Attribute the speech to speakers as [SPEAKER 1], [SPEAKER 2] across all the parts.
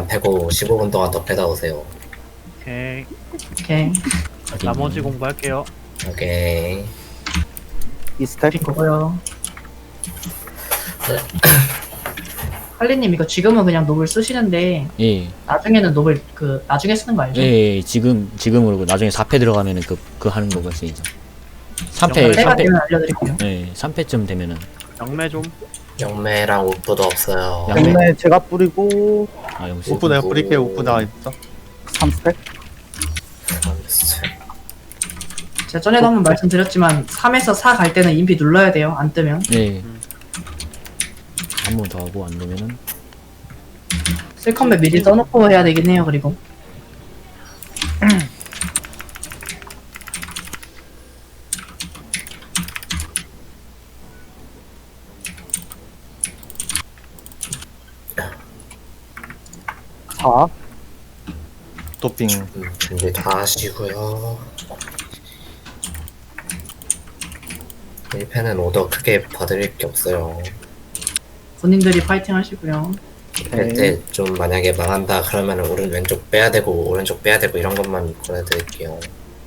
[SPEAKER 1] 일단 패고 15분 동안 더 패다 오세요.
[SPEAKER 2] 오케이.
[SPEAKER 3] 오케이.
[SPEAKER 2] 나머지 공부할게요.
[SPEAKER 1] 오케이.
[SPEAKER 4] 이 스택
[SPEAKER 3] 핑거고요. 할리님 이거 지금은 그냥 노블 쓰시는데
[SPEAKER 5] 예,
[SPEAKER 3] 나중에는 노블 그 나중에 쓰는 거 알죠?
[SPEAKER 5] 예, 지금으로 나중에 4패 들어가면은 그 하는 거가 쓰이죠. 3패,
[SPEAKER 2] 영화를
[SPEAKER 3] 때가
[SPEAKER 5] 3패,
[SPEAKER 3] 되면 알려드릴게요.
[SPEAKER 5] 예, 3패쯤 되면은
[SPEAKER 2] 영매 좀.
[SPEAKER 1] 영매랑 우프도 없어요.
[SPEAKER 5] 양매.
[SPEAKER 4] 양매 제가 뿌리고
[SPEAKER 5] 아 영수.
[SPEAKER 6] 우프 내가 뿌릴게. 우프 나 있어.
[SPEAKER 4] 3스택
[SPEAKER 3] 제가 전에도 한번 말씀드렸지만 3에서 4 갈 때는 인피 눌러야 돼요. 안 뜨면.
[SPEAKER 5] 예. 한 번 더 하고 안 되면은
[SPEAKER 3] 쓸컴백 미리 떠놓고 해야 되긴 해요. 그리고
[SPEAKER 4] 자
[SPEAKER 6] 도핑.
[SPEAKER 1] 준비 다 하시고요. 1패는 오더 크게 봐드릴 게 없어요.
[SPEAKER 3] 본인들이 파이팅 하시고요.
[SPEAKER 1] 할 때 좀 만약에 망한다 그러면 왼쪽 빼야 되고 오른쪽 빼야 되고 이런 것만 보내드릴게요.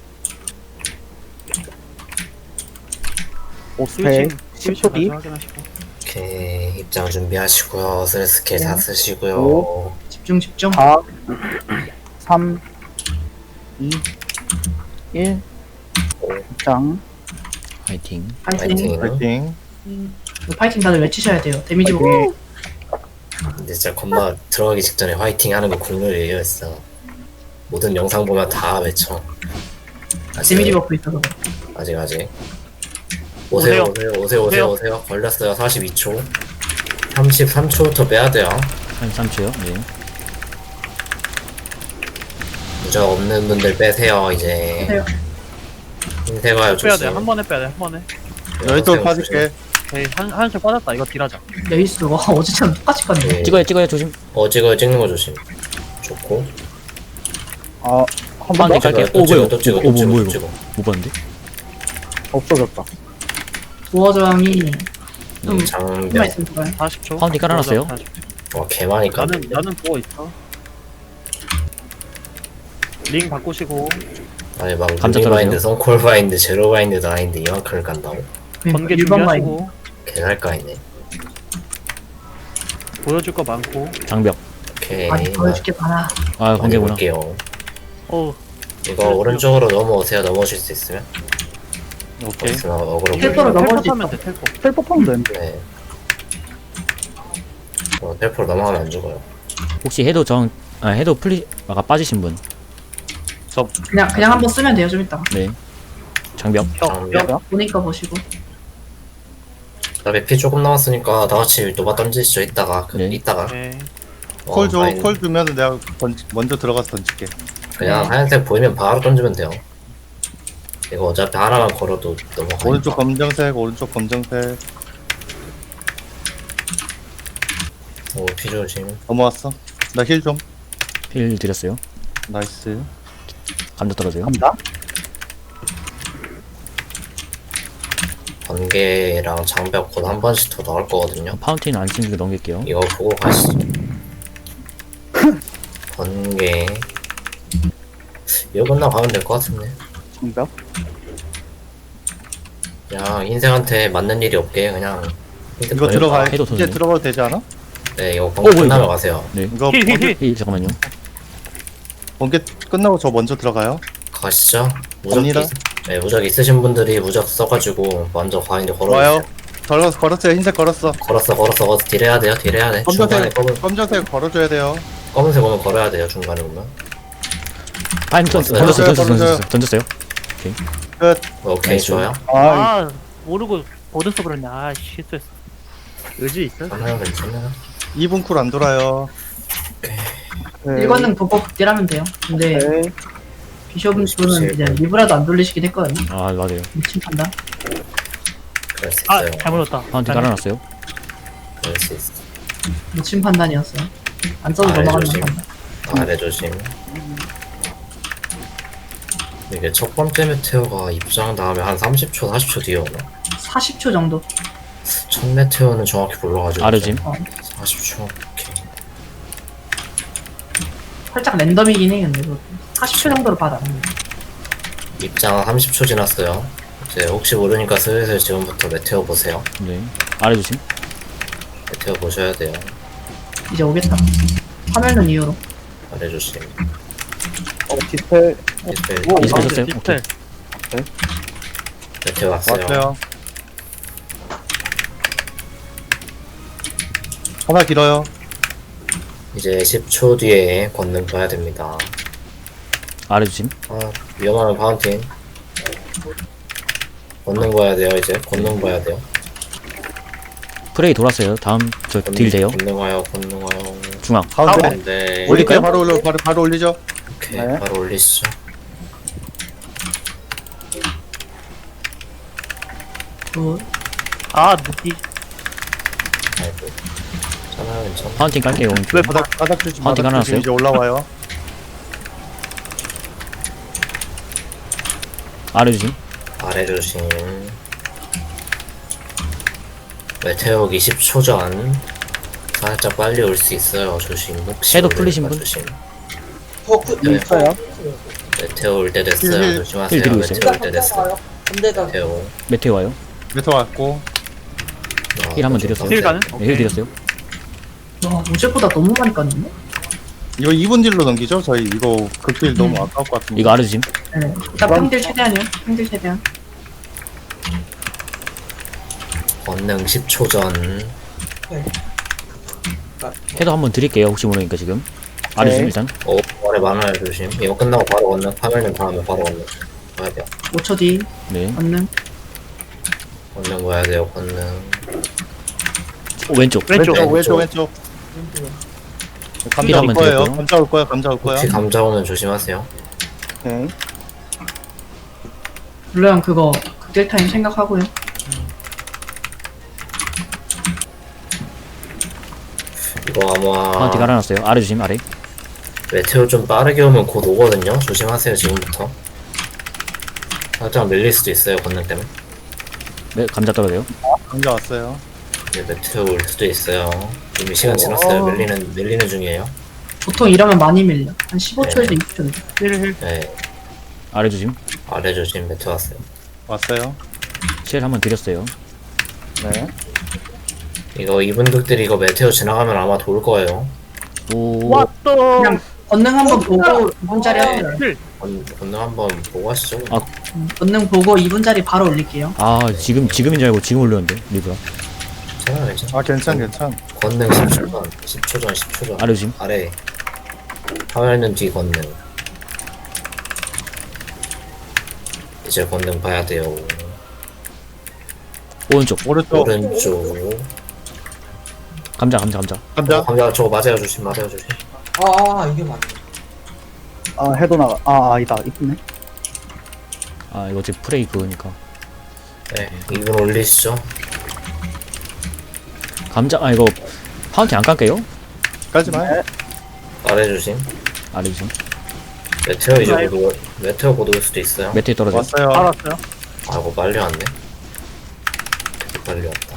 [SPEAKER 4] 5스택
[SPEAKER 2] 스위치
[SPEAKER 4] 10초 뒤
[SPEAKER 2] 먼저 확인하시고.
[SPEAKER 1] 오케이, 입장 준비하시고요. 슬 스킬 다
[SPEAKER 3] 네.
[SPEAKER 1] 쓰시고요.
[SPEAKER 4] 오.
[SPEAKER 3] 집중 집중.
[SPEAKER 4] 4 3 2 1 입장
[SPEAKER 5] 화이팅.
[SPEAKER 3] 파이팅.
[SPEAKER 1] 파이팅.
[SPEAKER 6] 파이팅.
[SPEAKER 3] 이거 파이팅 다들 외치셔야 돼요. 데미지 보고.
[SPEAKER 1] 근데 진짜 겁나 들어가기 직전에 화이팅 하는 거 국룰이에요, 진짜. 모든 영상 보면 다 외쳐.
[SPEAKER 3] 데미지 버프 있어서.
[SPEAKER 1] 아직. 오세요. 걸렸어요. 42초. 33초부터 빼야 돼요.
[SPEAKER 5] 한 3초요. 네.
[SPEAKER 1] 무적 없는 분들 빼세요, 이제.
[SPEAKER 3] 빼세요.
[SPEAKER 1] 흰색아요,
[SPEAKER 2] 빼야 돼.
[SPEAKER 1] 조심.
[SPEAKER 2] 한 번에 빼야 돼. 한 번에.
[SPEAKER 6] 여기서 빠질게.
[SPEAKER 2] 오케이. 한씩 빠졌다. 이거 딜하자.
[SPEAKER 3] 레이스 와 어제처럼 똑같이 갔네.
[SPEAKER 1] 네.
[SPEAKER 5] 찍어요 조심.
[SPEAKER 1] 찍어요, 찍는 거 조심. 좋고.
[SPEAKER 4] 한 번
[SPEAKER 5] 네,
[SPEAKER 4] 더
[SPEAKER 5] 갈게요.
[SPEAKER 1] 또 찍어,
[SPEAKER 5] 뭐야?
[SPEAKER 1] 또 찍어,
[SPEAKER 5] 뭐
[SPEAKER 1] 또 찍어,
[SPEAKER 5] 이거?
[SPEAKER 1] 또 찍어.
[SPEAKER 5] 못 봤는데?
[SPEAKER 4] 없어졌다
[SPEAKER 3] 도어 저항이 좀
[SPEAKER 1] 장벽.
[SPEAKER 3] 힘만 있으면 좋아요.
[SPEAKER 2] 40초.
[SPEAKER 5] 파운딩 깔아놨어요?
[SPEAKER 1] 와, 개많이 까네.
[SPEAKER 2] 나는 보고 있어. 링 바꾸시고.
[SPEAKER 1] 아니, 막,
[SPEAKER 5] 감자
[SPEAKER 1] 루미바인드,
[SPEAKER 5] 떨어져요?
[SPEAKER 1] 선콜바인드, 제로바인드, 나인드, 이만큼을 간다고?
[SPEAKER 2] 번개
[SPEAKER 3] 일반 마인.
[SPEAKER 2] 준비하시고.
[SPEAKER 1] 개살까이네.
[SPEAKER 2] 보여줄 거 많고.
[SPEAKER 5] 장벽.
[SPEAKER 1] 오케이.
[SPEAKER 3] 아니 보여줄게 많아.
[SPEAKER 5] 아
[SPEAKER 1] 많이
[SPEAKER 5] 번개구나.
[SPEAKER 1] 볼게요.
[SPEAKER 2] 어.
[SPEAKER 1] 이거 오른쪽으로 넘어오세요. 넘어오실 수 있으면.
[SPEAKER 6] 오케이.
[SPEAKER 1] 있으면 어그로
[SPEAKER 3] 텔포로
[SPEAKER 1] 보여요.
[SPEAKER 3] 넘어올 수
[SPEAKER 2] 하면 돼. 텔포.
[SPEAKER 4] 텔포 타면 되는데
[SPEAKER 1] 네. 텔포로 넘어가면 안 죽어요.
[SPEAKER 5] 혹시 해도 플리 아까 빠지신 분.
[SPEAKER 3] 그냥 한번 쓰면 돼요. 좀 이따가.
[SPEAKER 5] 네. 장벽.
[SPEAKER 1] 장벽.
[SPEAKER 3] 보니까 보시고.
[SPEAKER 1] 그다음에 피 조금 남았으니까 다 같이 노바 던지시죠. 이따가.
[SPEAKER 5] 네.
[SPEAKER 1] 이따가.
[SPEAKER 2] 오케이.
[SPEAKER 6] 콜 줘.
[SPEAKER 1] 파인.
[SPEAKER 6] 콜 주면 내가 먼저 들어가서 던질게.
[SPEAKER 1] 그냥 하얀색 보이면 바로 던지면 돼요. 이거 어차피 하나만 걸어도 넘어가니까.
[SPEAKER 6] 오른쪽 검정색. 오른쪽 검정색.
[SPEAKER 1] 오, 피 조심.
[SPEAKER 6] 넘어왔어. 나 힐 좀.
[SPEAKER 5] 필 드렸어요.
[SPEAKER 6] 나이스.
[SPEAKER 5] 감자 떨어져요.
[SPEAKER 4] 갑니다
[SPEAKER 1] 번개랑 장벽 곧 한 번씩 더 나올 거거든요.
[SPEAKER 5] 파운틴 안 챙기고 넘길게요.
[SPEAKER 1] 이거 보고 가시죠. 번개. 이거 끝나가면 될 것 같은데.
[SPEAKER 4] 장벽
[SPEAKER 1] 그냥 흰색한테 맞는 일이 없게 그냥 흰색
[SPEAKER 6] 이거
[SPEAKER 1] 번개
[SPEAKER 6] 들어가.
[SPEAKER 5] 해도
[SPEAKER 6] 이제
[SPEAKER 5] 터지네.
[SPEAKER 6] 들어가도 되지 않아?
[SPEAKER 1] 네, 이거 번개
[SPEAKER 5] 뭐야,
[SPEAKER 1] 끝나면
[SPEAKER 5] 이거?
[SPEAKER 1] 가세요.
[SPEAKER 5] 네.
[SPEAKER 6] 이거
[SPEAKER 2] 힐.
[SPEAKER 5] 잠깐만요.
[SPEAKER 6] 번개 끝나고 저 먼저 들어가요.
[SPEAKER 1] 가시죠. 무적
[SPEAKER 6] 갑니다.
[SPEAKER 1] 네, 무적 있으신 분들이 무적 써가지고 먼저 과인데
[SPEAKER 6] 와요.
[SPEAKER 1] 걸어주세요.
[SPEAKER 6] 걸었어요. 흰색 걸었어.
[SPEAKER 1] 걸었어. 딜해야 돼요. 딜해야 돼. 중간에
[SPEAKER 6] 검정색. 검정색 걸어줘야 돼요.
[SPEAKER 1] 검은색 오면 걸어야 돼요. 중간에 오면.
[SPEAKER 5] 파인 던졌어요.
[SPEAKER 6] 끝.
[SPEAKER 1] 오케이,
[SPEAKER 5] 나이스.
[SPEAKER 1] 좋아요.
[SPEAKER 4] 아
[SPEAKER 2] 모르고 보드서 그랬냐. 아, 실수했어. 의지 있어?
[SPEAKER 1] 하나요, 괜찮아요.
[SPEAKER 6] 2분 쿨 안 돌아요.
[SPEAKER 4] 네.
[SPEAKER 3] 일관능 도법 극딜하면 돼요. 근데
[SPEAKER 4] 네.
[SPEAKER 3] 비숍은 이제 리브라도 안 돌리시긴 했거든요.
[SPEAKER 5] 아 맞아요.
[SPEAKER 3] 미친 판단.
[SPEAKER 1] 그럴 수
[SPEAKER 2] 아,
[SPEAKER 1] 있어요.
[SPEAKER 2] 잘못 넣었다.
[SPEAKER 5] 파운틴 깔아놨어요.
[SPEAKER 1] 그럴 수 있어.
[SPEAKER 3] 미친 판단이었어요. 안 써도
[SPEAKER 1] 아래
[SPEAKER 3] 넘어가는
[SPEAKER 1] 조심.
[SPEAKER 3] 판단.
[SPEAKER 1] 아래 조심. 이게 첫 번째 메테오가 입장 다음에 한 30초, 40초 뒤에 오나?
[SPEAKER 3] 40초 정도.
[SPEAKER 1] 첫 메테오는 정확히 몰라가지고.
[SPEAKER 5] 아르짐.
[SPEAKER 1] 40초. 오케이.
[SPEAKER 3] 살짝 랜덤이긴 해 근데 40초 정도로 받아.
[SPEAKER 1] 입장 30초 지났어요. 이제 혹시 모르니까 슬슬 지금부터 메테오 보세요.
[SPEAKER 5] 네. 아래 조심.
[SPEAKER 1] 메테오 보셔야 돼요.
[SPEAKER 3] 이제 오겠다. 화면은 이후로.
[SPEAKER 1] 아래 조심.
[SPEAKER 4] 디스펠.
[SPEAKER 1] 디스펠.
[SPEAKER 5] 이제 되셨어요?
[SPEAKER 2] 디스펠.
[SPEAKER 5] 오케이.
[SPEAKER 1] 메테오 왔어요.
[SPEAKER 6] 왔어요. 하나 길어요.
[SPEAKER 1] 이제 10초 뒤에 권능 봐야 됩니다.
[SPEAKER 5] 아래 조심.
[SPEAKER 1] 아, 위험하면 파운틴. 권능 봐야 돼요, 이제. 권능 봐야 돼요.
[SPEAKER 5] 프레이 돌았어요. 다음 저 딜 돼요.
[SPEAKER 1] 권능 와요, 권능 와요.
[SPEAKER 5] 중앙.
[SPEAKER 6] 가운데.
[SPEAKER 1] 네.
[SPEAKER 6] 올릴게요. 바로 올리죠.
[SPEAKER 1] 오케이,
[SPEAKER 4] 네.
[SPEAKER 1] 바로 올리시죠.
[SPEAKER 3] 그
[SPEAKER 2] 아 느끼.
[SPEAKER 1] 아이고. 괜찮아요, 괜찮아.
[SPEAKER 5] 파운틴 깔게요. 오른쪽.
[SPEAKER 6] 왜 바닥 조심.
[SPEAKER 5] 파운틴
[SPEAKER 6] 바닥 조심.
[SPEAKER 5] 깔아놨어요?
[SPEAKER 6] 이제 올라와요.
[SPEAKER 5] 아래 조심.
[SPEAKER 1] 아래 조심. 메테오 20초 전. 살짝 빨리 올 수 있어요, 조심. 혹시
[SPEAKER 5] 해도
[SPEAKER 1] 모르니까
[SPEAKER 5] 풀리신 분?
[SPEAKER 1] 조심.
[SPEAKER 6] 네. 있어요.
[SPEAKER 1] 메테오 올 때 됐어요.
[SPEAKER 6] 힐
[SPEAKER 1] 조심하세요.
[SPEAKER 5] 드리고 있어요.
[SPEAKER 1] 메테오 올 때 됐어요. 메테오.
[SPEAKER 5] 메테오 와요.
[SPEAKER 6] 메터 왔고.
[SPEAKER 5] 힐 한번 드렸어요.
[SPEAKER 2] 힐 가는?
[SPEAKER 5] 네, 힐 드렸어요.
[SPEAKER 3] 와 어제보다 너무 많이 깠네.
[SPEAKER 6] 이거 2분 딜로 넘기죠? 저희 이거 극딜 너무 아까울 것 같은데.
[SPEAKER 5] 이거 아래 조심.
[SPEAKER 3] 네. 일단 평딜 최대한이요. 평딜 최대한.
[SPEAKER 1] 권능 10초 전.
[SPEAKER 5] 해도 한번 드릴게요. 혹시 모르니까 지금. 아래
[SPEAKER 4] 네.
[SPEAKER 5] 조심 일단.
[SPEAKER 1] 아래 많아요, 조심. 이거 끝나고 바로 권능. 파멸님 다음에 바로 권능. 봐야 돼요.
[SPEAKER 3] 5초 뒤
[SPEAKER 5] 네.
[SPEAKER 3] 권능.
[SPEAKER 1] 권능 봐야 돼요, 권능.
[SPEAKER 5] 왼쪽.
[SPEAKER 2] 왼쪽.
[SPEAKER 6] 왼쪽.
[SPEAKER 5] 힐
[SPEAKER 6] 감자 올
[SPEAKER 5] 한번
[SPEAKER 6] 거예요.
[SPEAKER 5] 드렸고요.
[SPEAKER 6] 감자 올 거야. 감자 올 거야.
[SPEAKER 1] 혹시 감자 오면 조심하세요.
[SPEAKER 4] 오케이.
[SPEAKER 3] 물론 그거 극딜 타임 생각하고요.
[SPEAKER 1] 이거 아마
[SPEAKER 5] 파운틴 깔아놨어요. 아래 조심. 아래.
[SPEAKER 1] 메테오 좀 빠르게 오면 곧 오거든요. 조심하세요, 지금부터. 살짝 밀릴 수도 있어요, 권능 때문에.
[SPEAKER 5] 네, 감자 떨어져요.
[SPEAKER 6] 감자 왔어요.
[SPEAKER 1] 이제 메테오 올 수도 있어요. 이미 시간 지났어요. 밀리는 중이에요.
[SPEAKER 3] 보통 이러면 많이 밀려. 한 15초에서 20초.
[SPEAKER 2] 힐.
[SPEAKER 1] 네,
[SPEAKER 5] 아래 조심.
[SPEAKER 1] 아래 조심 메테오 왔어요.
[SPEAKER 6] 왔어요.
[SPEAKER 5] 실 한번 드렸어요.
[SPEAKER 4] 네.
[SPEAKER 1] 이거 이분들이 이거 메테오 지나가면 아마 돌 거예요.
[SPEAKER 5] 오.
[SPEAKER 2] 왔어.
[SPEAKER 3] 그냥 권능 한번 보고 2분짜리 하세요.
[SPEAKER 2] 힐.
[SPEAKER 1] 권능 한번 보고 하시죠.
[SPEAKER 5] 아.
[SPEAKER 3] 권능 보고 2분짜리 바로 올릴게요.
[SPEAKER 5] 아 지금인 줄 알고 지금 올렸는데 리브라.
[SPEAKER 1] 괜찮아요, 괜찮아.
[SPEAKER 6] 괜찮.
[SPEAKER 1] 권능 10초 전, 10초 전, 10초 전.
[SPEAKER 5] 아래 조심.
[SPEAKER 1] 아래. 화면은 뒤 권능. 이제 권능 봐야 돼요.
[SPEAKER 5] 오른쪽.
[SPEAKER 6] 오른쪽.
[SPEAKER 1] 오른쪽.
[SPEAKER 5] 감자.
[SPEAKER 6] 감자.
[SPEAKER 1] 감자 저거 맞아요, 조심, 맞아요, 조심.
[SPEAKER 7] 이게 맞네.
[SPEAKER 4] 아 해도 나가. 아 아니다. 이쁘네.
[SPEAKER 5] 아 이거 지금 프레이 그거니까.
[SPEAKER 1] 네, 이분 올리시죠.
[SPEAKER 5] 감자. 아 이거 파운틴 안 깔게요.
[SPEAKER 6] 까지 마.
[SPEAKER 1] 아래 조심.
[SPEAKER 5] 아래 조심.
[SPEAKER 1] 메테오 이제 메테오 곧 올 수도 있어요.
[SPEAKER 5] 메테오 떨어져.
[SPEAKER 6] 왔어요.
[SPEAKER 2] 알았어요.
[SPEAKER 1] 아이고 빨리 왔네. 되게 빨리 왔다.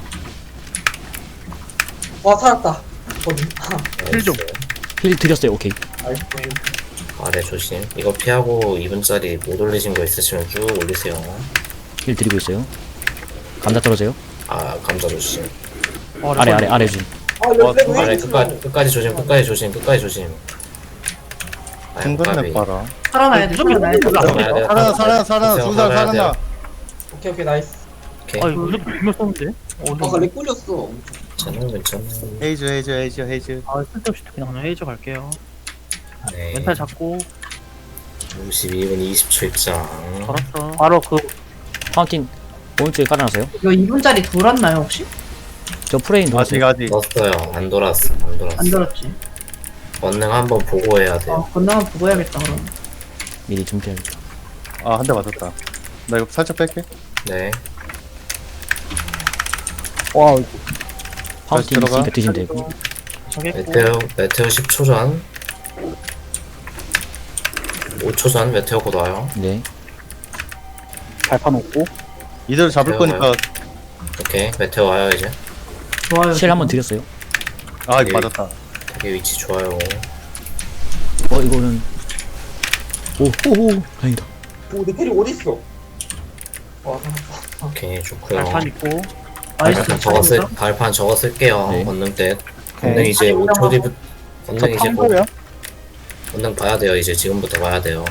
[SPEAKER 7] 와, 살았다. 어디?
[SPEAKER 2] 힐 좀.
[SPEAKER 5] 힐 드렸어요. 오케이.
[SPEAKER 1] 아래 조심. 이거 피하고 2분짜리 못 올리신 거 있으시면 쭉 올리세요.
[SPEAKER 5] 힐 드리고 있어요. 감자 떨어져요.
[SPEAKER 1] 아 감자 조심.
[SPEAKER 5] 아래 조심.
[SPEAKER 1] 아래 끝까지 조심. 끝까지 조심. 아이고,
[SPEAKER 6] 중간에
[SPEAKER 1] 까비.
[SPEAKER 6] 봐라.
[SPEAKER 3] 살아나야 돼. 살아나야 돼.
[SPEAKER 1] 살아나야 돼요.
[SPEAKER 6] 살아나.
[SPEAKER 1] 보세요,
[SPEAKER 6] 중간
[SPEAKER 1] 살아나야 돼요.
[SPEAKER 6] 살아나.
[SPEAKER 7] 오케이, 나이스.
[SPEAKER 1] 오케이.
[SPEAKER 2] 아 이거 무슨 분명 썼는데?
[SPEAKER 7] 렉 꿀렸어.
[SPEAKER 1] 괜찮아.
[SPEAKER 6] 헤이즈.
[SPEAKER 2] 아 쓸데없이 그냥 헤이저 갈게요.
[SPEAKER 1] 네.
[SPEAKER 2] 멘탈 잡고
[SPEAKER 1] 52분 20초 입장.
[SPEAKER 2] 알았어. 바로 그
[SPEAKER 5] 파운틴 오른쪽에 깔아놨어요.
[SPEAKER 3] 이거 2분짜리 돌았나요 혹시?
[SPEAKER 5] 저 프레임 돌았어요.
[SPEAKER 6] 아직.
[SPEAKER 1] 넣었어요. 안 돌았어.
[SPEAKER 3] 안 돌았지.
[SPEAKER 1] 권능 한번 보고 해야 돼요.
[SPEAKER 3] 권능 한번 보고 해야겠다 그럼.
[SPEAKER 5] 미리 준비해야겠다.
[SPEAKER 6] 아, 한 대 맞았다. 나 이거 살짝 뺄게.
[SPEAKER 1] 네.
[SPEAKER 4] 와
[SPEAKER 5] 파운틴
[SPEAKER 6] 들어가.
[SPEAKER 5] 있으니까 드시면 되고.
[SPEAKER 2] 정했고.
[SPEAKER 1] 메테오 10초 전. 5초 전 메테오 곧 와요.
[SPEAKER 5] 네.
[SPEAKER 4] 발판 없고.
[SPEAKER 6] 이대로 잡을 거니까.
[SPEAKER 1] 오케이. 메테오 와요 이제.
[SPEAKER 3] 좋아요.
[SPEAKER 5] 실 한번 드렸어요.
[SPEAKER 6] 아, 이거 맞았다.
[SPEAKER 1] 되게 위치 좋아요.
[SPEAKER 5] 이거는 오오오 다행이다.
[SPEAKER 7] 오, 내 캐리 어딨어? 와,
[SPEAKER 1] 오케이, 좋고요.
[SPEAKER 2] 발판 있고.
[SPEAKER 3] 나이스.
[SPEAKER 1] 발판 저거 쓸게요.
[SPEAKER 5] 네.
[SPEAKER 1] 권능 때. 권능 이제
[SPEAKER 3] 네.
[SPEAKER 1] 5초 뒤부터,
[SPEAKER 4] 저
[SPEAKER 1] 권능 이제 곧,
[SPEAKER 4] 탕소요?
[SPEAKER 1] 권능 봐야 돼요. 이제 지금부터 봐야 돼요.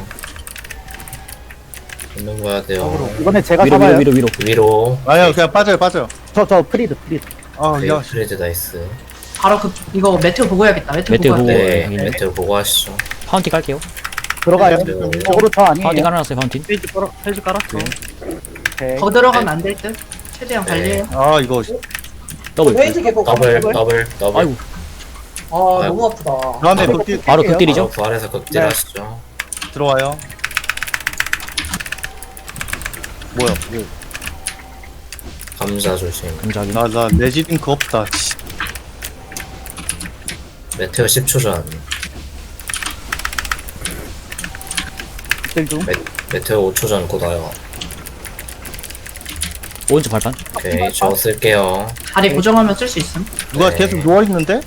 [SPEAKER 1] 권능 봐야 돼요.
[SPEAKER 4] 이번에 제가
[SPEAKER 5] 위로
[SPEAKER 4] 잡아요.
[SPEAKER 5] 위로 위로 위로.
[SPEAKER 1] 위로.
[SPEAKER 6] 아니요, 그냥 빠져요.
[SPEAKER 4] 저 프리드.
[SPEAKER 6] 아,
[SPEAKER 1] 네,
[SPEAKER 6] 야,
[SPEAKER 1] 프레드 나이스.
[SPEAKER 3] 바로 이거 메테오 보고 해야겠다. 메테오
[SPEAKER 5] 메테오
[SPEAKER 3] 보고.
[SPEAKER 5] 보고.
[SPEAKER 3] 해야겠다.
[SPEAKER 1] 네,
[SPEAKER 5] 네.
[SPEAKER 1] 메테오 보고 하시죠.
[SPEAKER 5] 파운틴 깔게요.
[SPEAKER 4] 들어가요.
[SPEAKER 1] 네.
[SPEAKER 4] 저거로 저
[SPEAKER 5] 파운틴
[SPEAKER 4] 아니에요.
[SPEAKER 5] 깔아놨어요. 파운틴.
[SPEAKER 2] 페이지 깔았어.
[SPEAKER 4] 오케이.
[SPEAKER 3] 거 들어가면 안 될 듯. 최대한
[SPEAKER 1] 네.
[SPEAKER 3] 관리해요.
[SPEAKER 6] 아, 이거.
[SPEAKER 5] 더블.
[SPEAKER 7] 페이지 계속.
[SPEAKER 1] 더블.
[SPEAKER 5] 아이고
[SPEAKER 7] 아, 너무 아프다.
[SPEAKER 6] 다음에 극딜
[SPEAKER 5] 바로 극딜이죠.
[SPEAKER 1] 바로 부활해서 극딜
[SPEAKER 4] 네.
[SPEAKER 1] 하시죠.
[SPEAKER 6] 들어와요. 뭐야,
[SPEAKER 1] 감자 조심.
[SPEAKER 5] 감자기.
[SPEAKER 6] 나 레지링크 없다. 씨.
[SPEAKER 1] 메테오 10초 전.
[SPEAKER 4] 딜 중.
[SPEAKER 1] 메테오 5초 전 곧 와요.
[SPEAKER 5] 오른쪽 발판.
[SPEAKER 1] 오케이, 저거 쓸게요.
[SPEAKER 3] 다리 고정하면 쓸 수 있음.
[SPEAKER 6] 누가
[SPEAKER 1] 네.
[SPEAKER 6] 계속 누워있는데?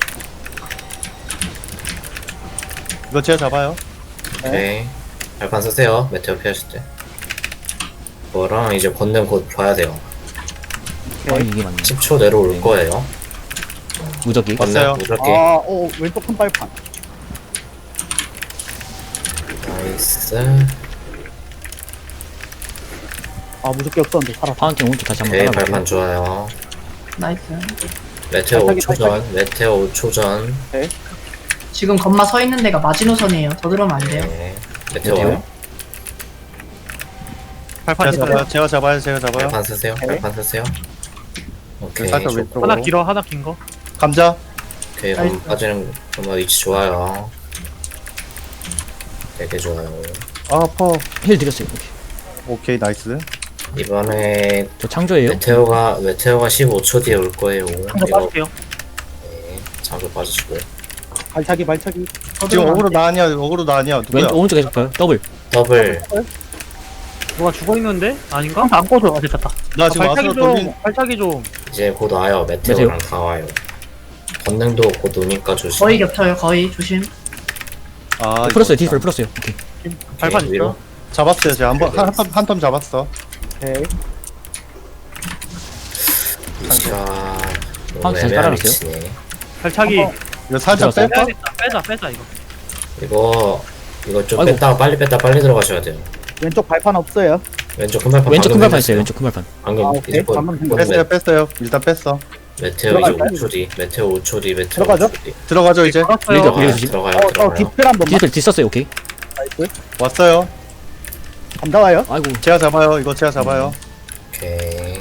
[SPEAKER 6] 이거 제가 잡아요.
[SPEAKER 1] 오케이. 발판 쓰세요. 메테오 피하실 때. 그거랑 이제 권능 곧 봐야 돼요.
[SPEAKER 5] 이게 맞네.
[SPEAKER 1] 10초 내로 올 거예요.
[SPEAKER 5] 무적기.
[SPEAKER 6] 왔어요.
[SPEAKER 1] 권능 무적기.
[SPEAKER 4] 왼쪽 큰 발판.
[SPEAKER 1] 나이스.
[SPEAKER 4] 무섭게 없었는데 살았어.
[SPEAKER 5] 파운틴 오른쪽 다시 한번
[SPEAKER 1] 오케이,
[SPEAKER 5] 깔아볼게요.
[SPEAKER 1] 발판 좋아요.
[SPEAKER 3] 나이스.
[SPEAKER 1] 메테오
[SPEAKER 4] 발차기,
[SPEAKER 1] 5초 전. 메테오 5초 전.
[SPEAKER 3] 지금 건마 서 있는 데가 마지노선이에요. 더 들어오면 안 돼요.
[SPEAKER 1] 네. 메테오
[SPEAKER 5] 메테오.
[SPEAKER 1] 와요.
[SPEAKER 2] 발판
[SPEAKER 6] 제가
[SPEAKER 2] 있어요.
[SPEAKER 6] 잡아요. 제가 잡아요.
[SPEAKER 1] 발판 쓰세요.
[SPEAKER 4] 네.
[SPEAKER 1] 발판 쓰세요. 오케이.
[SPEAKER 6] 살짝
[SPEAKER 1] 좋고.
[SPEAKER 6] 왼쪽으로.
[SPEAKER 2] 하나 길어, 하나 긴 거.
[SPEAKER 6] 감자.
[SPEAKER 1] 오케이, 그럼 빠지는 정말 위치 좋아요. 되게 좋아요.
[SPEAKER 6] 아, 아파.
[SPEAKER 5] 힐 드렸어요. 오케이.
[SPEAKER 6] 오케이, 나이스.
[SPEAKER 1] 이번에
[SPEAKER 5] 저 창조예요.
[SPEAKER 1] 메테오가 15초 뒤에 올 거예요.
[SPEAKER 2] 한번
[SPEAKER 1] 이거
[SPEAKER 2] 빠질게요.
[SPEAKER 1] 네, 장소 빠지시고요.
[SPEAKER 4] 발차기.
[SPEAKER 3] 더
[SPEAKER 6] 지금
[SPEAKER 3] 들어오면
[SPEAKER 6] 어그로
[SPEAKER 3] 안 돼.
[SPEAKER 6] 나냐, 누구야?
[SPEAKER 5] 왼 오른쪽 계속 봐요. 더블.
[SPEAKER 1] 더블.
[SPEAKER 2] 누가 죽어 있는데? 아닌가?
[SPEAKER 3] 안 꺼져.
[SPEAKER 2] 아, 됐다.
[SPEAKER 6] 나 지금
[SPEAKER 2] 발차기
[SPEAKER 6] 와서
[SPEAKER 2] 좀,
[SPEAKER 6] 돌린.
[SPEAKER 2] 발차기 좀.
[SPEAKER 1] 이제 곧 와요. 메테오랑 다 와요. 권능도 곧 오니까 조심.
[SPEAKER 3] 거의 겹쳐요. 거의 조심.
[SPEAKER 6] 아,
[SPEAKER 5] 풀었어요.
[SPEAKER 6] 이거
[SPEAKER 5] 디스플 풀었어요. 오케이.
[SPEAKER 2] 발판
[SPEAKER 1] 위로.
[SPEAKER 2] 있어.
[SPEAKER 6] 잡았어요. 제가 한텀 잡았어.
[SPEAKER 4] 오케이.
[SPEAKER 1] 위치가 너무
[SPEAKER 5] 파운틴 다시
[SPEAKER 1] 애매한
[SPEAKER 5] 깔아놨어요?
[SPEAKER 1] 위치네.
[SPEAKER 2] 발차기.
[SPEAKER 6] 이거 살짝
[SPEAKER 5] 들어갔어요?
[SPEAKER 6] 뺄까?
[SPEAKER 2] 빼자, 이거.
[SPEAKER 1] 이거 좀
[SPEAKER 5] 아이고.
[SPEAKER 1] 뺐다가 빨리 들어가셔야 돼요.
[SPEAKER 4] 왼쪽 발판 없어요.
[SPEAKER 1] 왼쪽 큰 발판.
[SPEAKER 5] 왼쪽 큰
[SPEAKER 1] 방금
[SPEAKER 5] 발판
[SPEAKER 1] 해줬어요.
[SPEAKER 5] 있어요. 왼쪽 큰 발판.
[SPEAKER 1] 방금
[SPEAKER 4] 오케이.
[SPEAKER 1] 이제 곧
[SPEAKER 4] 방금
[SPEAKER 6] 뺐어요. 일단 뺐어.
[SPEAKER 1] 메테오 이제
[SPEAKER 4] 들어갈까요?
[SPEAKER 1] 5초 뒤. 메테오 5초 뒤. 메테오
[SPEAKER 4] 들어가죠?
[SPEAKER 1] 5초 뒤.
[SPEAKER 6] 들어가죠, 이제.
[SPEAKER 2] 걸었어요.
[SPEAKER 5] 밀죠.
[SPEAKER 1] 들어가요.
[SPEAKER 5] 조심.
[SPEAKER 1] 들어가요.
[SPEAKER 4] 저
[SPEAKER 1] 들어가요.
[SPEAKER 4] 디스플 한 번만.
[SPEAKER 5] 디스플 디썼어요. 오케이.
[SPEAKER 4] 나이스.
[SPEAKER 6] 왔어요.
[SPEAKER 4] 감자 와요.
[SPEAKER 5] 아이고.
[SPEAKER 6] 제가 잡아요. 이거 제가 잡아요.
[SPEAKER 1] 오케이.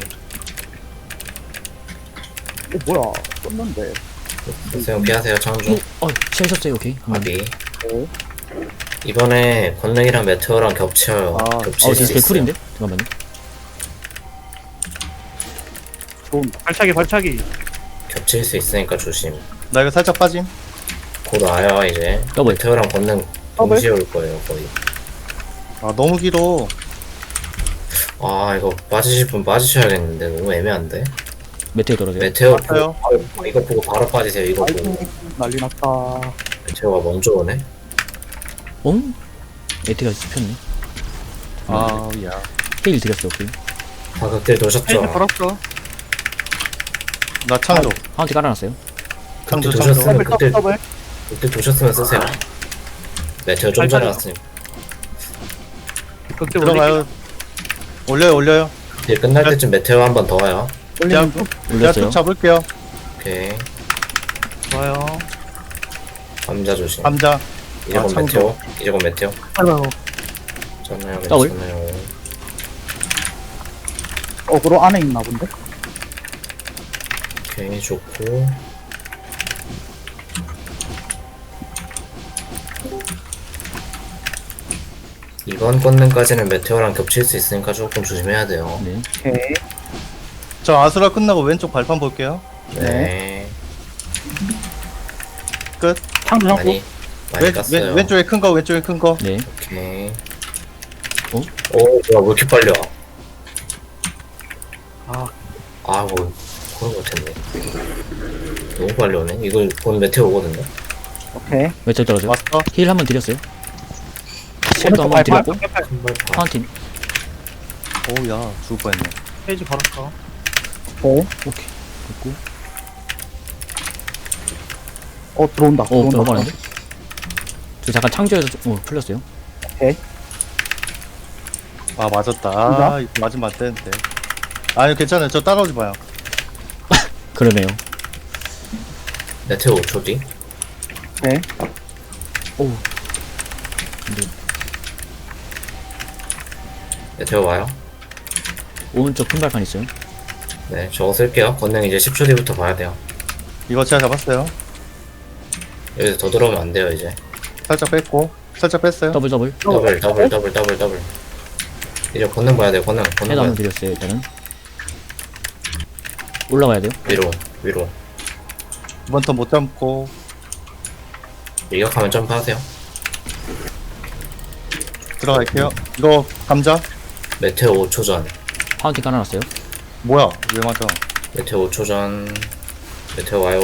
[SPEAKER 4] 뭐야. 떴는데.
[SPEAKER 1] 수영 피하세요. 창조.
[SPEAKER 5] 치우셨어요. 오케이.
[SPEAKER 1] 아비.
[SPEAKER 4] 네.
[SPEAKER 1] 이번에 권능이랑 메테오랑 겹쳐요. 겹칠 수
[SPEAKER 5] 디스플
[SPEAKER 1] 있어요.
[SPEAKER 5] 쿨인데? 잠깐만요.
[SPEAKER 4] 좋은다.
[SPEAKER 2] 발차기.
[SPEAKER 1] 겹칠 수 있으니까 조심.
[SPEAKER 6] 나 이거 살짝 빠짐.
[SPEAKER 1] 곧 와요 이제.
[SPEAKER 5] 더블.
[SPEAKER 1] 메테오랑 권능
[SPEAKER 4] 더블?
[SPEAKER 1] 동시에 올 거예요 거의.
[SPEAKER 6] 아, 너무 길어.
[SPEAKER 1] 아 이거 빠지실 분 빠지셔야겠는데 너무 애매한데.
[SPEAKER 5] 메테오 떨어져요.
[SPEAKER 1] 메테오
[SPEAKER 6] 맞아요.
[SPEAKER 1] 보고, 이거 보고 바로 빠지세요. 이거 보고.
[SPEAKER 4] 아이고. 난리 났다.
[SPEAKER 1] 메테오가 먼저 오네.
[SPEAKER 5] 응? 메테오가 씹혔네.
[SPEAKER 6] 아, 야.
[SPEAKER 5] 힐 드렸어요. 오케이.
[SPEAKER 1] 다 극딜
[SPEAKER 2] 페이지
[SPEAKER 1] 도셨죠?
[SPEAKER 2] 걸었어.
[SPEAKER 6] 나 창조.
[SPEAKER 5] 파운틴 깔아놨어요.
[SPEAKER 6] 창조,
[SPEAKER 1] 극딜
[SPEAKER 6] 창조.
[SPEAKER 1] 도셨으면
[SPEAKER 4] 더블 더블.
[SPEAKER 1] 극딜 도셨으면 쓰세요. 메테오 좀 전에 왔으니
[SPEAKER 2] 극대
[SPEAKER 6] 들어가요. 올려요.
[SPEAKER 1] 극딜 끝날 때쯤 메테오 한 번 더 와요.
[SPEAKER 6] 그냥
[SPEAKER 4] 올리는 중.
[SPEAKER 6] 제가
[SPEAKER 5] 올렸어요.
[SPEAKER 6] 좀 잡을게요.
[SPEAKER 1] 오케이.
[SPEAKER 2] 좋아요.
[SPEAKER 1] 감자 조심.
[SPEAKER 6] 감자.
[SPEAKER 1] 이제 곧
[SPEAKER 6] 창조.
[SPEAKER 1] 메테오. 이제 곧 메테오.
[SPEAKER 2] 아이고.
[SPEAKER 1] 괜찮아요.
[SPEAKER 5] 더블?
[SPEAKER 1] 괜찮아요.
[SPEAKER 4] 어그로 안에 있나 본데.
[SPEAKER 1] 오케이 좋고. 이번 권능까지는 메테오랑 겹칠 수 있으니까 조금 조심해야 돼요.
[SPEAKER 5] 네.
[SPEAKER 4] 오케이.
[SPEAKER 6] 저 아수라 끝나고 왼쪽 발판 볼게요.
[SPEAKER 1] 네.
[SPEAKER 6] 끝.
[SPEAKER 2] 창조.
[SPEAKER 1] 많이 깠어요.
[SPEAKER 6] 왼쪽에 큰 거.
[SPEAKER 5] 네.
[SPEAKER 1] 오케이.
[SPEAKER 5] 어?
[SPEAKER 1] 오, 뭐야, 왜 이렇게 빨리 와?
[SPEAKER 2] 아,
[SPEAKER 1] 아, 뭐, 그런 거 같았네. 너무 빨리 오네. 이거 곧 메테오 오거든요.
[SPEAKER 4] 오케이.
[SPEAKER 5] 메테오 떨어져요.
[SPEAKER 6] 왔어.
[SPEAKER 5] 힐 한 번 드렸어요. 쉘도 한번 드렸고
[SPEAKER 1] 큰발판.
[SPEAKER 5] 파운틴.
[SPEAKER 6] 오야 죽을 뻔했네.
[SPEAKER 2] 페이지 걸었어.
[SPEAKER 4] 네.
[SPEAKER 5] 오케이. 됐고.
[SPEAKER 4] 들어온다.
[SPEAKER 5] 오 들어가는데? 저 잠깐 창조해서 풀렸어요.
[SPEAKER 6] 아 맞았다. 아 이거 맞으면 안 되는데. 아니 괜찮아요. 저 따라오지 마요.
[SPEAKER 5] 그러네요.
[SPEAKER 1] 메테오 5초 뒤.
[SPEAKER 4] 네.
[SPEAKER 5] 오.
[SPEAKER 1] 메테오 와요.
[SPEAKER 5] 오른쪽 큰 발판 있어요.
[SPEAKER 1] 네, 저거 쓸게요. 권능 이제 10초 뒤부터 봐야 돼요.
[SPEAKER 6] 이거 제가 잡았어요.
[SPEAKER 1] 여기서 더 들어오면 안 돼요, 이제.
[SPEAKER 6] 살짝 뺐고 살짝 뺐어요.
[SPEAKER 5] 더블.
[SPEAKER 1] 더블. 이제 권능 봐야 돼요, 권능
[SPEAKER 5] 해도
[SPEAKER 1] 봐야
[SPEAKER 5] 한번
[SPEAKER 1] 돼요.
[SPEAKER 5] 드렸어요 일단은. 올라가야 돼요.
[SPEAKER 1] 위로.
[SPEAKER 6] 이번 턴 못 잡고
[SPEAKER 1] 일격하면 점프하세요.
[SPEAKER 6] 들어갈게요. 이거 감자
[SPEAKER 1] 메테오 5초 전.
[SPEAKER 5] 파운틴 깔아놨어요.
[SPEAKER 6] 뭐야? 왜 맞아?
[SPEAKER 1] 메테오 5초 전. 메테오 와요.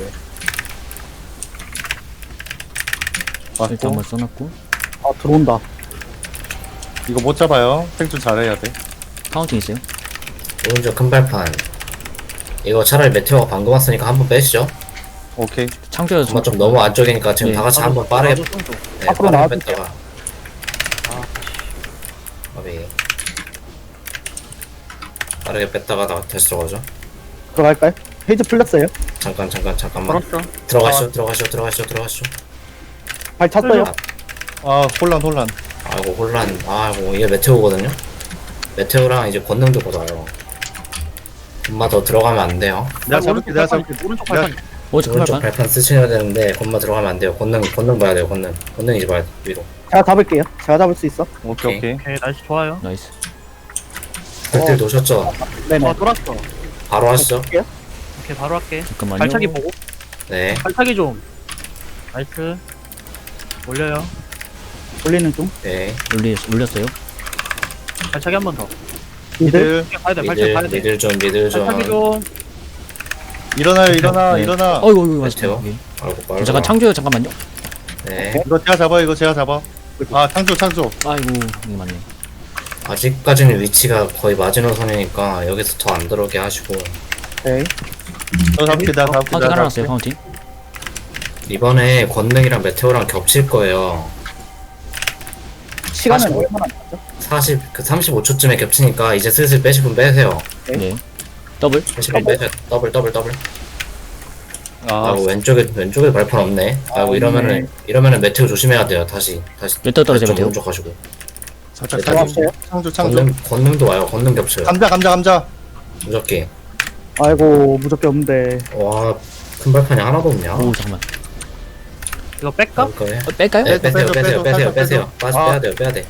[SPEAKER 5] 일단
[SPEAKER 6] 맞고
[SPEAKER 5] 한번 써놨고.
[SPEAKER 4] 들어온다.
[SPEAKER 6] 이거 못 잡아요. 생존 잘해야 돼.
[SPEAKER 5] 파운틴 있어요.
[SPEAKER 1] 오른쪽 큰 발판. 이거 차라리 메테오가 방금 왔으니까 한번 빼시죠.
[SPEAKER 6] 오케이.
[SPEAKER 5] 창조해서
[SPEAKER 1] 한번 좀 너무 안쪽이니까 지금
[SPEAKER 5] 네.
[SPEAKER 1] 다 같이 한번 빠르게
[SPEAKER 2] 나도 좀 줘.
[SPEAKER 1] 네,
[SPEAKER 4] 앞으로
[SPEAKER 1] 빠르게
[SPEAKER 4] 나와주세요.
[SPEAKER 1] 뺐다가. 빠르게 뺐다가 다시 들어가죠.
[SPEAKER 4] 들어갈까요? 페이지 풀렸어요.
[SPEAKER 1] 잠깐만.
[SPEAKER 2] 걸었어.
[SPEAKER 1] 들어가시죠.
[SPEAKER 4] 발 찼어요.
[SPEAKER 6] 아 혼란.
[SPEAKER 1] 아이고 혼란. 아이고 이게 메테오거든요. 메테오랑 이제 권능도 보다요. 엄마 더 들어가면 안 돼요.
[SPEAKER 6] 내가 잡을게. 내가 잡을게.
[SPEAKER 2] 오른쪽 발판.
[SPEAKER 5] 오른쪽 큰
[SPEAKER 1] 오른쪽
[SPEAKER 5] 발판.
[SPEAKER 1] 발판 쓰셔야 되는데 건마 들어가면 안 돼요. 권능 봐야 돼요. 권능 이제 봐야 돼. 위로.
[SPEAKER 4] 제가 잡을게요. 제가 잡을 수 있어.
[SPEAKER 6] 오케이.
[SPEAKER 2] 오케이, 날씨 좋아요.
[SPEAKER 5] 나이스.
[SPEAKER 1] 극딜 놓으셨죠?
[SPEAKER 4] 네네.
[SPEAKER 2] 돌았어.
[SPEAKER 1] 바로 하시죠.
[SPEAKER 2] 오케이, 바로 할게.
[SPEAKER 5] 잠깐만요.
[SPEAKER 2] 발차기 보고.
[SPEAKER 1] 네.
[SPEAKER 2] 발차기 좀. 나이스. 올려요.
[SPEAKER 4] 올리는 중.
[SPEAKER 1] 네.
[SPEAKER 5] 올렸어요.
[SPEAKER 2] 발차기 한 번 더.
[SPEAKER 4] 미들.
[SPEAKER 2] 가야 돼, 발차기 가야 돼.
[SPEAKER 1] 미들 좀.
[SPEAKER 2] 발차기 좀.
[SPEAKER 6] 일어나요. 일어나.
[SPEAKER 5] 네.
[SPEAKER 6] 일어나.
[SPEAKER 5] 어이구
[SPEAKER 1] 메테오.
[SPEAKER 5] 맞았어요. 오케이.
[SPEAKER 1] 아이고 빠르다.
[SPEAKER 5] 잠깐 창조해요. 잠깐만요.
[SPEAKER 1] 네.
[SPEAKER 6] 이거 제가 잡아. 아 창조.
[SPEAKER 5] 아이고 이게 맞네.
[SPEAKER 1] 아직까지는 위치가 거의 마지노선이니까 여기서 더 안 들어오게 하시고
[SPEAKER 4] 네.
[SPEAKER 6] 저 잡을게. 내가 잡을게.
[SPEAKER 5] 파운틴 깔아놨어요. 파운틴.
[SPEAKER 1] 이번에 권능이랑 메테오랑 겹칠 거예요.
[SPEAKER 4] 시간은
[SPEAKER 1] 45.
[SPEAKER 4] 얼마나 남았죠?
[SPEAKER 1] 35초쯤에 겹치니까 이제 슬슬 빼실 분 빼세요.
[SPEAKER 5] 네. 더블.
[SPEAKER 1] 빼실 분 빼세요. 더블.
[SPEAKER 6] 아
[SPEAKER 1] 아이고 왼쪽에 발판 없네. 아이고 이러면은 메테오 조심해야 돼요. 다시
[SPEAKER 5] 메테오 떨어져요,
[SPEAKER 1] 좀
[SPEAKER 5] 메테오.
[SPEAKER 1] 오른쪽 가시고.
[SPEAKER 6] 살짝
[SPEAKER 1] 메테오
[SPEAKER 6] 창조.
[SPEAKER 1] 권능도 와요. 권능 겹쳐요.
[SPEAKER 6] 감자.
[SPEAKER 1] 무적기.
[SPEAKER 4] 아이고 무적기 없는데.
[SPEAKER 1] 와, 큰 발판이 하나도 없냐?
[SPEAKER 5] 오 잠깐만.
[SPEAKER 2] 이거 뺄까?
[SPEAKER 1] 거예요?
[SPEAKER 5] 뺄까요?
[SPEAKER 1] 네, 빼세요.
[SPEAKER 6] 빼줘.
[SPEAKER 1] 빼야 돼요.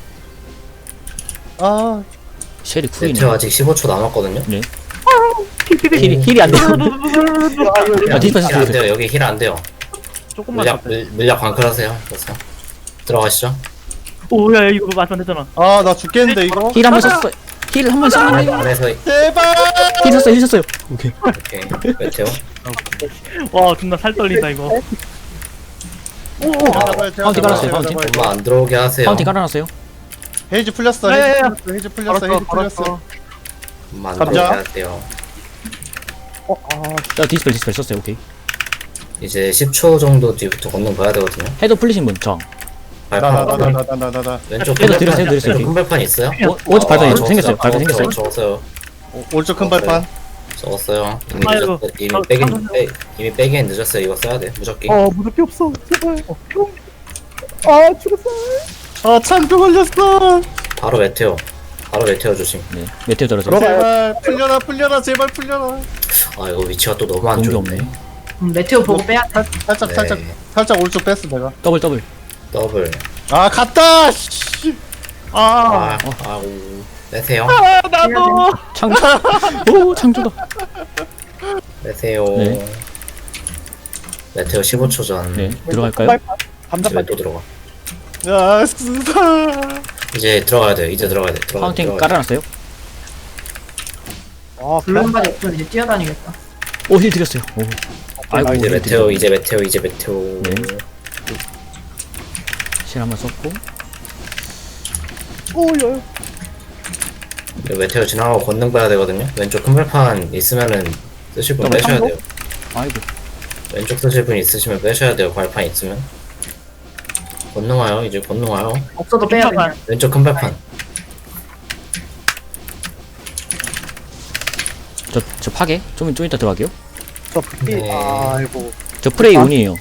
[SPEAKER 6] 아
[SPEAKER 5] 쉘이 쿨이네.
[SPEAKER 1] 메테오 아직 15초 남았거든요.
[SPEAKER 5] 네. 힐이 안 돼요. 아 디스패스
[SPEAKER 1] 힐 안 돼요. 여기 힐 안 돼요.
[SPEAKER 2] 조금만 더.
[SPEAKER 1] 물약 광클하세요. 보세요. 들어가시죠.
[SPEAKER 2] 오야 이거 맞으면 되잖아.
[SPEAKER 6] 나 죽겠는데 이거.
[SPEAKER 5] 힐 한 번 썼어요. 힐 한 번 썼어요.
[SPEAKER 1] 안에서
[SPEAKER 6] 제발.
[SPEAKER 5] 힐 썼어요. 오케이.
[SPEAKER 1] 오케이. 메테오.
[SPEAKER 2] 와 존나 살 떨린다 이거.
[SPEAKER 5] 파운틴 깔았어요. 파운틴.
[SPEAKER 1] 엄마 안 들어오게 하세요.
[SPEAKER 5] 파운틴 깔아놨어요.
[SPEAKER 6] 헤이즈 풀렸어.
[SPEAKER 2] 야.
[SPEAKER 6] 헤이즈 풀렸어.
[SPEAKER 1] 엄마 안
[SPEAKER 6] 감자.
[SPEAKER 1] 들어오게 해야 돼요.
[SPEAKER 5] 자 디스펠 썼어요. 오케이.
[SPEAKER 1] 이제 10초 정도 뒤부터 걷는 봐야 되거든요.
[SPEAKER 5] 해도 풀리신 분 정.
[SPEAKER 1] 발판
[SPEAKER 6] 나나나나나나나.
[SPEAKER 1] 왼쪽
[SPEAKER 5] 해도 드렸어요.
[SPEAKER 1] 큰 발판 있어요?
[SPEAKER 5] 오른쪽 발판이
[SPEAKER 1] 적었어요.
[SPEAKER 5] 생겼어요. 발판 생겼어요.
[SPEAKER 1] 적었어요.
[SPEAKER 6] 오른쪽 큰 발판.
[SPEAKER 1] 적었어요.
[SPEAKER 2] 아이고,
[SPEAKER 1] 이미 빼기엔 늦었어요. 이거 써야 돼. 무적기.
[SPEAKER 4] 무적기 없어. 제발. 죽었어.
[SPEAKER 6] 아 창조 걸렸어.
[SPEAKER 1] 바로 메테오 조심.
[SPEAKER 5] 네. 메테오 떨어져.
[SPEAKER 6] 제발 풀려라 제발 풀려라.
[SPEAKER 1] 아 이거 위치가 또 너무 안
[SPEAKER 5] 공기
[SPEAKER 1] 좋네.
[SPEAKER 5] 없네.
[SPEAKER 3] 메테오 보고 빼야 돼.
[SPEAKER 6] 살짝 오른쪽 뺐어 내가.
[SPEAKER 5] 더블.
[SPEAKER 1] 더블.
[SPEAKER 6] 아 갔다. 씨.
[SPEAKER 1] 아이고 빼세요.
[SPEAKER 2] 나도.
[SPEAKER 5] 창조. 오 창조다.
[SPEAKER 1] 빼세요.
[SPEAKER 5] 네.
[SPEAKER 1] 메테오 15초 전.
[SPEAKER 5] 네. 들어갈까요?
[SPEAKER 1] 집에 또 들어가.
[SPEAKER 6] 야 스사.
[SPEAKER 1] 이제 들어가야 돼. 들어가야 돼.
[SPEAKER 5] 파운틴 깔아놨어요.
[SPEAKER 3] 블룸까지 없으면 이제 뛰어다니겠다.
[SPEAKER 5] 오 힐 드렸어요. 오. 아이고
[SPEAKER 1] 이제
[SPEAKER 5] 힐
[SPEAKER 1] 메테오.
[SPEAKER 5] 드렸어요.
[SPEAKER 1] 이제 메테오.
[SPEAKER 5] 네. 실 한번 썼고.
[SPEAKER 4] 오야.
[SPEAKER 1] 메테오 지나가고 권능 봐야 되거든요. 왼쪽 큰 발판 있으면은 쓰실 분
[SPEAKER 4] 그럼
[SPEAKER 1] 빼셔야
[SPEAKER 4] 참고?
[SPEAKER 1] 돼요.
[SPEAKER 5] 아이고.
[SPEAKER 1] 왼쪽 쓰실 분 있으시면 빼셔야 돼요. 발판 있으면. 권능 와요. 이제 권능 와요.
[SPEAKER 3] 없어도 빼야 돼요.
[SPEAKER 1] 왼쪽 큰 발판.
[SPEAKER 5] 저 파괴? 좀 이따 들어갈게요.
[SPEAKER 4] 저 극딜.
[SPEAKER 1] 네.
[SPEAKER 4] 아이고.
[SPEAKER 5] 저 프레이 온이에요.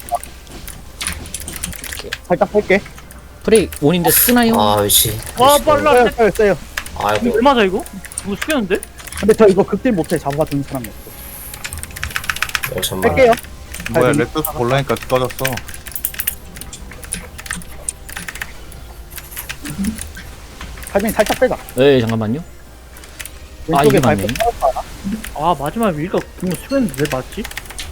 [SPEAKER 4] 살짝 뺄게.
[SPEAKER 5] 프레이 온인데 쓰나요?
[SPEAKER 1] 아, 위치.
[SPEAKER 2] 와,
[SPEAKER 1] 위치 너무-
[SPEAKER 2] 빨라.
[SPEAKER 4] 써요 써요.
[SPEAKER 2] 이거
[SPEAKER 1] 아이고.
[SPEAKER 2] 왜 맞아 이거? 이거 숙였는데?
[SPEAKER 4] 근데 저 이거 극딜 못해. 잡아주는 사람이 없어.
[SPEAKER 1] 잠만.
[SPEAKER 4] 뺄게요.
[SPEAKER 6] 뭐야
[SPEAKER 4] 아이고.
[SPEAKER 6] 렉서스 볼라니까 꺼졌어.
[SPEAKER 4] 타이밍 살짝 빼자.
[SPEAKER 5] 네, 잠깐만요. 아,
[SPEAKER 4] 왼쪽에
[SPEAKER 5] 이게 맞네.
[SPEAKER 4] 발판.
[SPEAKER 2] 아 마지막에 위가 그거 숙였는데 왜 맞지?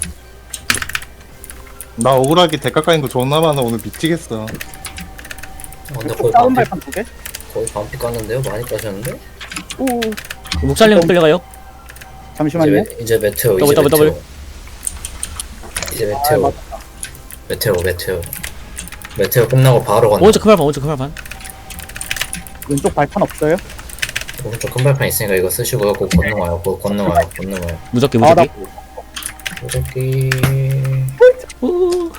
[SPEAKER 6] 나 억울하게 대가 까인 거 존나 많아 오늘 미치겠어.
[SPEAKER 1] 근데
[SPEAKER 4] 왼쪽
[SPEAKER 1] 거의
[SPEAKER 4] 다운
[SPEAKER 1] 반피,
[SPEAKER 4] 발판 두 개.
[SPEAKER 1] 거의 반피 깠는데요? 많이 까셨는데?
[SPEAKER 4] 오.
[SPEAKER 5] 목살림 끌려가요?
[SPEAKER 4] 잠시만요.
[SPEAKER 1] 이제 메테오,
[SPEAKER 5] 더블,
[SPEAKER 1] 이제
[SPEAKER 5] 더블,
[SPEAKER 1] 메테오. 이제
[SPEAKER 4] 아,
[SPEAKER 1] 메테오.
[SPEAKER 4] 맞다.
[SPEAKER 1] 메테오. 메테오 끝나고 바로 건너.
[SPEAKER 5] 오른쪽 큰 발판, 오른쪽 큰 발판.
[SPEAKER 4] 왼쪽 발판 없어요?
[SPEAKER 1] 오른쪽 큰 발판 있으니까 이거 쓰시고요. 곧 건너 와요. 곧 건너 와요. 건너 와요.
[SPEAKER 5] 무적기,
[SPEAKER 4] 아, 나
[SPEAKER 5] 무적기.
[SPEAKER 1] 무적기.
[SPEAKER 5] 오.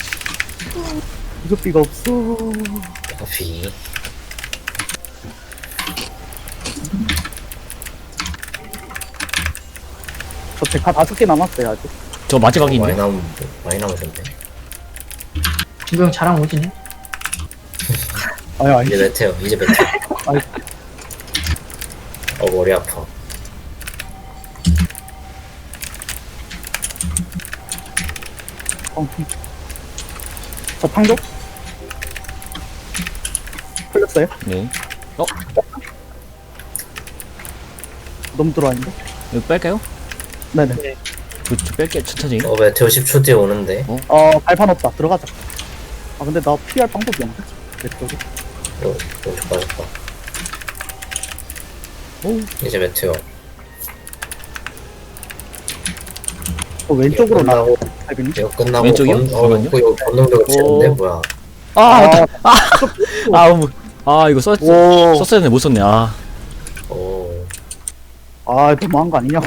[SPEAKER 4] 무적비가 없어.
[SPEAKER 1] 커피.
[SPEAKER 4] 저 데카 5개 남았어요 아직.
[SPEAKER 5] 저 마지막인데?
[SPEAKER 1] 많이 남으셨네.
[SPEAKER 3] 김도영 자랑 오지네.
[SPEAKER 4] 아니
[SPEAKER 1] 이제 메테오. 이제 메테오.
[SPEAKER 4] 아이.
[SPEAKER 1] 머리 아파.
[SPEAKER 4] 저 탕도? 풀렸어요?
[SPEAKER 5] 네.
[SPEAKER 4] 너무 들어왔는데?
[SPEAKER 5] 이거 뺄까요?
[SPEAKER 4] 네네.
[SPEAKER 5] 저 뺄게, 천천히.
[SPEAKER 1] 메테오 10초 뒤에 오는데.
[SPEAKER 4] 발판 없다. 들어가자. 아 근데 나 피할 방법이 없네. 왼쪽에.
[SPEAKER 1] 오른쪽 빠졌다.
[SPEAKER 5] 오.
[SPEAKER 1] 이제 메테오.
[SPEAKER 4] 왼쪽으로 나.
[SPEAKER 1] 끝나고,
[SPEAKER 4] 타이밍이?
[SPEAKER 1] 이거 끝나고
[SPEAKER 5] 왼쪽이요?
[SPEAKER 1] 이거 건능도 치는데
[SPEAKER 5] 오.
[SPEAKER 1] 뭐야?
[SPEAKER 5] 아, 이거
[SPEAKER 6] 오.
[SPEAKER 5] 썼어야 되는데 못 썼네. 아.
[SPEAKER 1] 오.
[SPEAKER 4] 아 너무한 거 아니냐고.